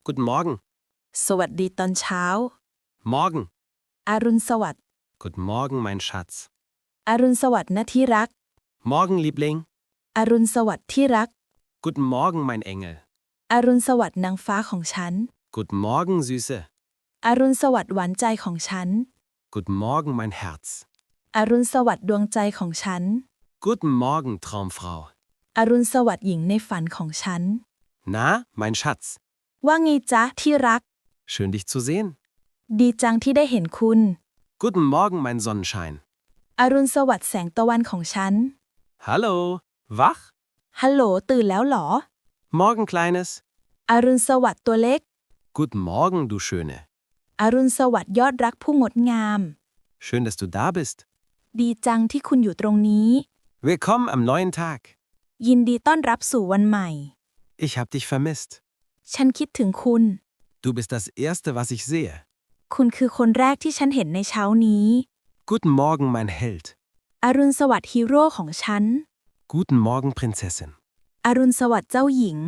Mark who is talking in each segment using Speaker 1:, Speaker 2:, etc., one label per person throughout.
Speaker 1: Guten Morgen.
Speaker 2: สวัสดีตอนเช้า
Speaker 1: Morgen.
Speaker 2: อรุณสวัสดิ์
Speaker 1: Guten Morgen, mein Schatz.
Speaker 2: อรุณสวัสดิ์นะที่รัก
Speaker 1: Morgen, Liebling.
Speaker 2: อรุณสวัสดิ์ที่รัก
Speaker 1: Guten Morgen, mein Engel.
Speaker 2: อรุณสวัสดิ์นางฟ้าของฉัน
Speaker 1: Guten Morgen, Süße.
Speaker 2: อรุณสวัสดิ์หวานใจของฉัน
Speaker 1: Guten Morgen, mein Herz.
Speaker 2: อรุณสวัสดิ์ดวงใจของฉัน
Speaker 1: Guten Morgen, Traumfrau.
Speaker 2: อรุณสวัสดิ์หญิงในฝันของฉัน
Speaker 1: Na, mein Schatz.
Speaker 2: ว่าไงจ๊ะที่รัก
Speaker 1: Schön, dich zu sehen.
Speaker 2: ดีจังที่ได้เห็นคุณ
Speaker 1: Guten Morgen, mein Sonnenschein.
Speaker 2: อรุณสวัสดิ์แสงตะวันของฉัน
Speaker 1: Hallo. Wach?
Speaker 2: ฮัลโหลตื่นแล้วเหรอ
Speaker 1: Morgen, Kleines.
Speaker 2: อรุณสวัสดิ์ตัวเล็ก
Speaker 1: Guten Morgen, du Schöne.
Speaker 2: อรุณสวัสดิ์ยอดรักผู้งดงาม
Speaker 1: Schön, dass du da bist.
Speaker 2: ดีจังที่คุณอยู่ตรงนี้
Speaker 1: Willkommen am neuen Tag.
Speaker 2: ยินดีต้อนรับสู่วันใหม่
Speaker 1: Ich hab dich vermisst.
Speaker 2: ฉันคิดถึงคุณ
Speaker 1: Du bist das Erste, was ich sehe.
Speaker 2: คุณคือคนแรกที่ฉันเห็นในเช้านี้
Speaker 1: Guten Morgen, mein Held.
Speaker 2: อรุณสวัสดิ์ฮีโร่ของฉัน
Speaker 1: Guten Morgen, Prinzessin.
Speaker 2: อรุณสวัสดิ์เจ้าหญิง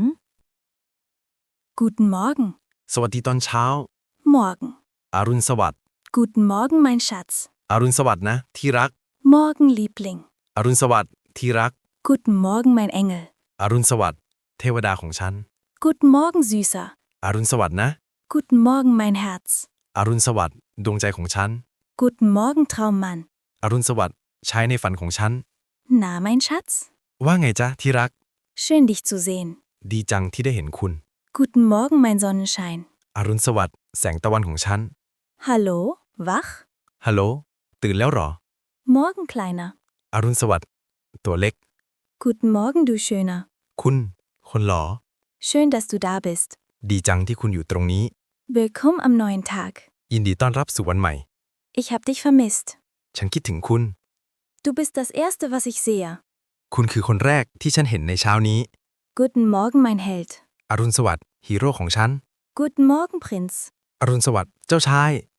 Speaker 2: Guten Morgen
Speaker 3: สวัสดีตอนเช้า
Speaker 2: Morgen
Speaker 3: อรุณสวัสดิ์
Speaker 2: Guten Morgen mein Schatz
Speaker 3: อรุณสวัสดิ์นะที่รัก
Speaker 2: Morgen Liebling
Speaker 3: อรุณสวัสดิ์ที่รัก
Speaker 2: Guten Morgen mein Engel
Speaker 3: อรุณสวัสดิ์เทวดาของฉัน
Speaker 2: Guten Morgen Süßer
Speaker 3: อรุณสวัสดิ์นะ
Speaker 2: Guten Morgen mein Herz
Speaker 3: อรุณสวัสดิ์ดวงใจของฉัน
Speaker 2: Guten Morgen Traummann
Speaker 3: อรุณสวัสดิ์ชายในฝันของฉัน
Speaker 2: Na mein Schatz
Speaker 3: ว่าไงจ๊ะที่รัก
Speaker 2: Schön dich zu sehen
Speaker 3: ดีจังที่ได้เห็นคุณ
Speaker 2: Guten Morgen mein Sonnenschein
Speaker 3: อรุณสวัสดิ์แสงตะวันของฉัน
Speaker 2: Hallo wach
Speaker 3: ฮัลโหลตื่นแล้วเหรอ
Speaker 2: Morgen Kleiner
Speaker 3: อรุณสวัสดิ์ตัวเล็ก
Speaker 2: Guten Morgen du Schöner
Speaker 3: คุณคนหล่อ
Speaker 2: Schön dass du da bist
Speaker 3: ดีจังที่คุณอยู่ตรงนี้
Speaker 2: Willkommen am neuen Tag
Speaker 3: ยินดีต้อนรับสู่วันใหม่
Speaker 2: Ich hab dich vermisst
Speaker 3: ฉันคิดถึงคุณ
Speaker 2: Du bist das Erste was ich sehe
Speaker 3: คุณคือคนแรกที่ฉันห็นในเช้านี้
Speaker 2: Guten Morgen mein Held
Speaker 3: อรุณสวัสดิ์ฮีโร่ของฉัน
Speaker 2: Guten Morgen Prinz
Speaker 3: อรุณสวัสดิ์เจ้าชาย